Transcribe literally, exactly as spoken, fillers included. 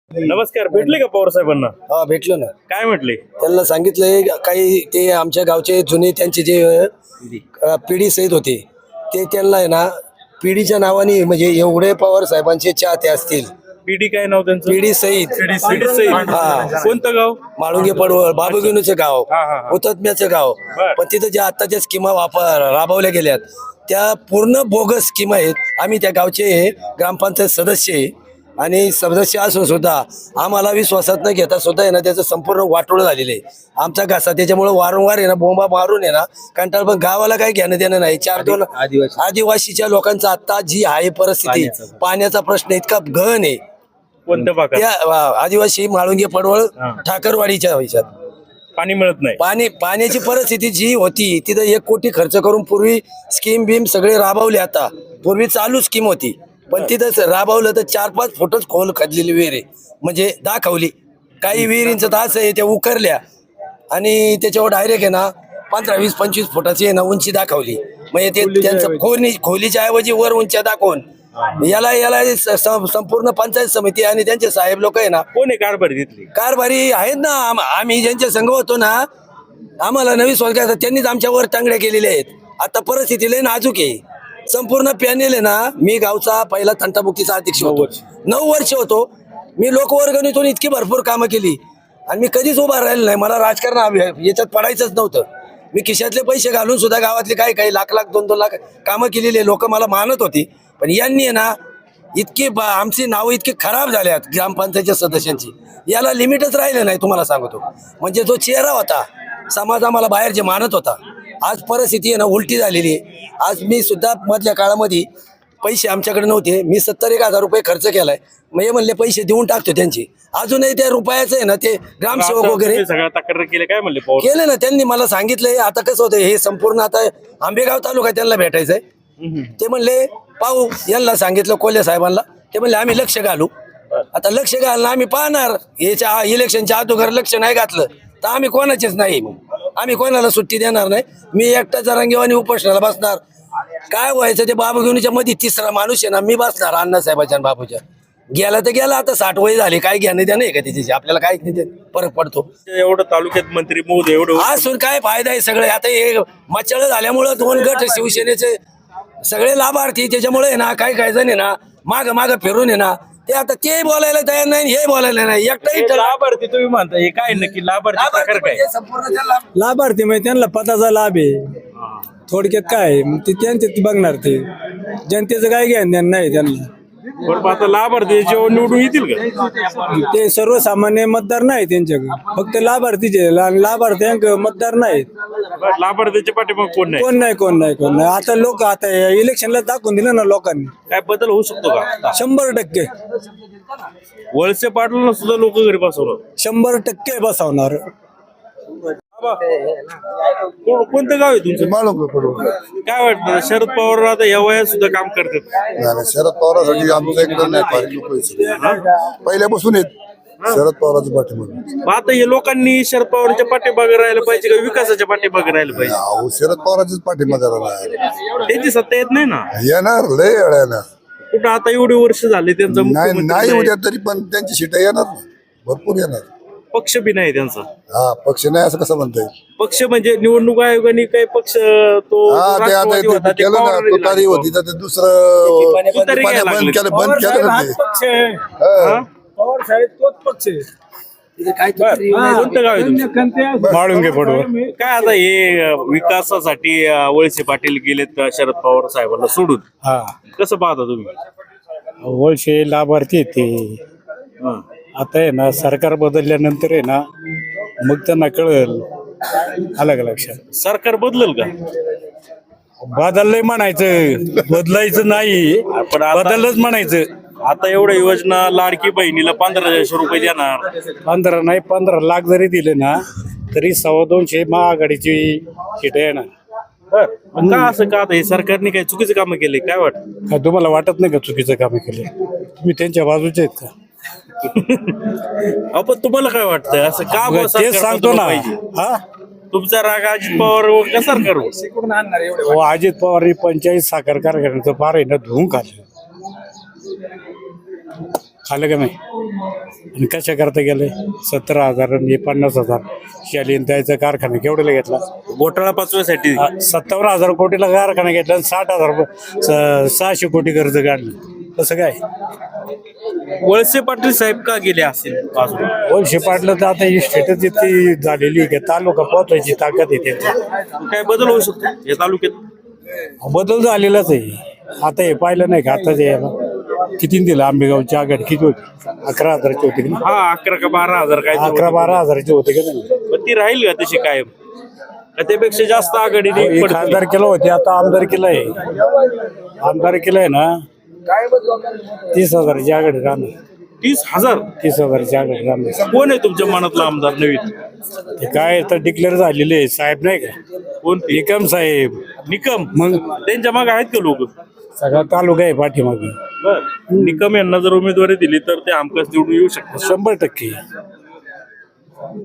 नमस्कार. भेटले का पवार साहेबांना? हा भेटलो ना. काय म्हटले? त्यांना सांगितलंय काही ते आमच्या गावचे जुने त्यांचे जे अ, पिढी सहित होते ते त्यांना आहे ना पिढीच्या नावाने म्हणजे एवढे पवार साहेबांचे चाहते असतील. पीडी काय नाव त्यांचं? पिढी सहित पीडी सहित. हा. कोणतं गाव? माळुंगे पडवळ बाबूगिनूचं गाव, हा, हा, हा. हुतात्म्याचं गाव. बर. पण तिथं ज्या आत्ताच्या स्कीमा वापर राबवल्या गेल्यात त्या पूर्ण बोगस स्कीमा आहेत. आम्ही त्या गावचे ग्रामपंचायत सदस्य आहे आणि सदस्य असून सुद्धा आम्हाला विश्वासात न घेता सुद्धा आहे ना त्याचं संपूर्ण वाटोळं झालेलं आहे. आमचा घासा त्याच्यामुळे वारंवार आहे ना बोंबा मारून आहे ना कंटाळ. पण गावाला काही घेणं देणं नाही. चार दोन आदिवासीच्या लोकांचा आता जी आहे परिस्थिती, पाण्याचा प्रश्न इतका गहन आहे. कोणत्या भागात? त्या वा- आदिवासी माळुंगे पडवळ ठाकरवाडीच्या ह्याच्यात पाणी मिळत नाही. पाणी पाण्याची परिस्थिती जी होती तिथं एक कोटी खर्च करून पूर्वी स्कीम बीम सगळे राबवले. आता पूर्वी चालू स्कीम होती पण तिथं राबवलं तर चार पाच फुटच खोल खदलेली विहीर आहे. म्हणजे दाखवली काही विहिरींचं तर असं आहे त्या उकरल्या आणि त्याच्यावर डायरेक्ट आहे ना पंधरा वीस पंचवीस फुटाची आहे ना उंची दाखवली. म्हणजे ते त्यांचं खोली खोलीच्या ऐवजी वर उंच्या दाखवून याला याला स- स- संपूर्ण पंचायत समिती आणि त्यांचे साहेब लोक आहे ना कोण आहे कारभारी तिथली? कारभारी आहेत ना. आम- आम्ही ज्यांच्या संघ होतो ना आम्हाला नवी स्वर्गात त्यांनीच आमच्यावर टांगड्या केलेल्या आहेत. आता परिस्थिती लय नाजूक आहे. संपूर्ण पॅनेल आहे ना. मी गावचा पहिला तंटामुक्तीचा अध्यक्ष होतो. नऊ वर्ष होतो मी. लोकवर्गणीतून इतकी भरपूर कामं केली आणि मी कधीच उभा राहिलो नाही. मला राजकारण हवे- याच्यात पडायचंच नव्हतं. मी खिशातले पैसे घालून सुद्धा गावातले काही काही लाख लाख दोन दोन लाख कामं केलेली लोक मला मानत होती. पण यांनी आहे ना इतकी ब- आमची नावं इतकी खराब झाल्यात ग्रामपंचायतच्या सदस्यांची. याला लिमिटच राहिलं नाही तुम्हाला सांगतो. म्हणजे जो चेहरा होता समाज आम्हाला बाहेर जे मानत होता आज परिस्थिती आहे ना उलटी झालेली आहे. आज मी सुद्धा मधल्या काळामध्ये पैसे आमच्याकडे नव्हते. मी सत्तर एक हजार रुपये खर्च केलाय. मग हे म्हणले पैसे देऊन टाकतो त्यांचे. अजूनही त्या रुपयाचं आहे ना ते ग्रामसेवक वगैरे तुम्ही सगळ्या तक्रार केले काय म्हणले पवार? केले ना त्यांनी. मला सांगितलंय आता कसं होतं हे संपूर्ण आता आंबेगाव तालुका त्यांना भेटायचंय. ते म्हणले पाहू. यांना सांगितलं कोल्हे साहेबांना. ते म्हणले आम्ही लक्ष घालू. आता लक्ष घालणं आम्ही पाहणार. याच्या इलेक्शनच्या अगोदर लक्ष नाही घातलं तर आम्ही कोणाचेच नाही. मग आम्ही कोणाला सुट्टी देणार नाही. मी एकटा जरांगीवानी उपोषणाला बसणार. काय व्हायचं ते बाबूगिनीच्या मध्ये तिसरा माणूस आहे ना मी बसणार अण्णासाहेबाच्या आणि बाबूच्या. गेला तर गेला. आता साठ वय झाले काय घेणं द्या नाही का त्याच्याशी आपल्याला काय फरक पडतो. एवढं तालुक्यात मंत्री मोद एवढं असून काय फायदा आहे सगळे. आता हे मचळ झाल्यामुळं दोन गट शिवसेनेचे सगळे लाभार्थी त्याच्यामुळे आहे ना काही काही जण आहे ना माग माग फिरून आहे ना ते आता ते बोलायला तयार नाही हे बोलायला नाही. एकटाही हे लाभार्थी तुम्ही म्हणता हे काय नक्की लाभार्थी प्रकार काय? संपूर्ण त्याला लाभार्थी म्हणजे त्यांना पदाचा लाभ आहे. थोडक्यात काय आहे, मग ते त्यांचे ते बघणार. ते जनतेचं काय घ्यान देणं नाही त्यांना. बरं आता लाभार्थी जेव्हा निवडून येतील का? ते सर्वसामान्य मतदार नाही त्यांच्याकडे. फक्त लाभार्थीचे आणि लाभार्थ्यांक मतदार नाहीत. बरं, लाभार्थीच्या पाठीमाग कोण नाही? कोण नाही कोण नाही कोण नाही. आता लोक आता इलेक्शनला दाखवून दिलं ना लोकांनी. काय बदल होऊ शकतो का? शंभर टक्के वळसे पाटलांना सुद्धा लोक घरी बसवलं. शंभर टक्के बसवणार. को- कोणतं गाव आहे तुमचं? माळुंगे पडवळ. काय वाटतं शरद पवार आता या वयात सुद्धा काम करतात? नाही, शरद पवारांसाठी आमचं एकदम नाही फार लोक आहेत. पहिल्यापासून आहेत शरद पवारांच्या पाठीमागे. मग आता हे लोकांनी शरद पवारच्या पाठीमागे राहायला पाहिजे का विकासाच्या पाठीमागे राहायला पाहिजे? अहो, शरद पवारांच्याच पाठीमागे राहणार. त्यांची सत्ता येत नाही ना येणार लय वेळा येणार. कुठं आता एवढे वर्ष झाले त्यांचा नाही मुख्यमंत्री नाही नाही. उद्या तरी पण त्यांची सीट येणार ना भरपूर येणार. पक्ष बी नाही त्यांचा. हा पक्ष नाही असं कसं म्हणता येईल. पक्ष म्हणजे निवडणूक आयोगाने काही पक्ष तो हा ते आता राष्ट्रवादी ते होता, ते केलं ना पवारांनी तुतारी लागला. होती तर ते दुसरं तुतारी पाण्या घ्यायला बंद लागले. केलं बंद केलं ना ते. पक्ष आहे. हा. पवार साहेब तोच पक्ष आहे. कोणतं गाव आहे तुमचं? माळुंगे पडवळ. काय आता हे अं, विकासासाठी अं, वळसे पाटील गेलेत अं, शरद पवार साहेबांना सोडून. हा कसं पाहता तुम्ही? वळशे लाभार्थी आहेत ते. हं. आता आहे ना सरकार बदलल्यानंतर आहे ना मग त्यांना कळेल. अलग लक्षात सरकार बदलल का? बदललंय म्हणायचं बदलायचं नाही पण आता- बदललंच म्हणायचं. आता एवढ्या योजना लाडकी बहिणीला पंधराशे रुपये देणार. पंधरा नाही पंधरा लाख जरी दिले ना तरी सव्वा दोनशे महाआघाडीची सीट आहे ना. बर मग का असं का आता हे सरकारने काही चुकीचं काम केले काय वाटत? काय तुम्हाला वाटत नाही का चुकीचं काम केले? तुम्ही त्यांच्या बाजूचे आहेत का? आपण तुम्हाला काय वाटतं असं का बुवा सरकार तेच सांगतो बदललं ना. पाहिजे? हा तुमचा राग अजित पवार का सरकारवर? हो, अजित पवार पंचायत साखर कारखान्याचं फार आहे ना धुवून काढलं. खालं का नाही आणि कशा करता गेले सतरा हजार आणि पन्नास हजार शालीन त्याचा कारखाना केवढ्याला घेतला घोटाळा पाचव्यासाठी सत्तावन्न हजार कोटीला कारखाना घेतला आणि साठ हजार रुपये- स- सहाशे कोटी कर्ज काढलं कसं काय वळसे पाटील साहेब का गेले असेल अजून? वळसे पाटलं तर आता ही स्टेटस इतकी झालेली आहे की तालुका पोहोचायची ताकद आहे त्यांची काय बदल होऊ शकतो या तालुक्यात? बदल झालेलाच आहे आता हे पाहिलं नाही का आता जे किती दिलं आंबेगावची आघाडी किती होती अकरा हजाराची होती की नाही? हा अकरा का बारा हजार काय तर अकरा होतं. बारा हजाराची होते का नाही पण ती राहील का तशी कायम का त्यापेक्षा जास्त आघाडीने एक पडतील? खासदार केलं होते आता आमदार केलं आहे आमदार केलं आहे ना तीस हजाराची आघाडी राहणार तीस हजार तीस हजाराची आघाडी राहणार कोण आहे तुमच्या मनातला आमदार नवीन? ते काय तर डिक्लेअर झालेले आहे साहेब नाही का कोण ते? निकम साहेब निकम मग त्यांच्या मागे आहेत का लोक? सगळा तालुका आहे पाठीमागे बर निकम यांना जर उमेदवारी दिली तर ते हमखास निवडून येऊ शकतात. शंभर टक्के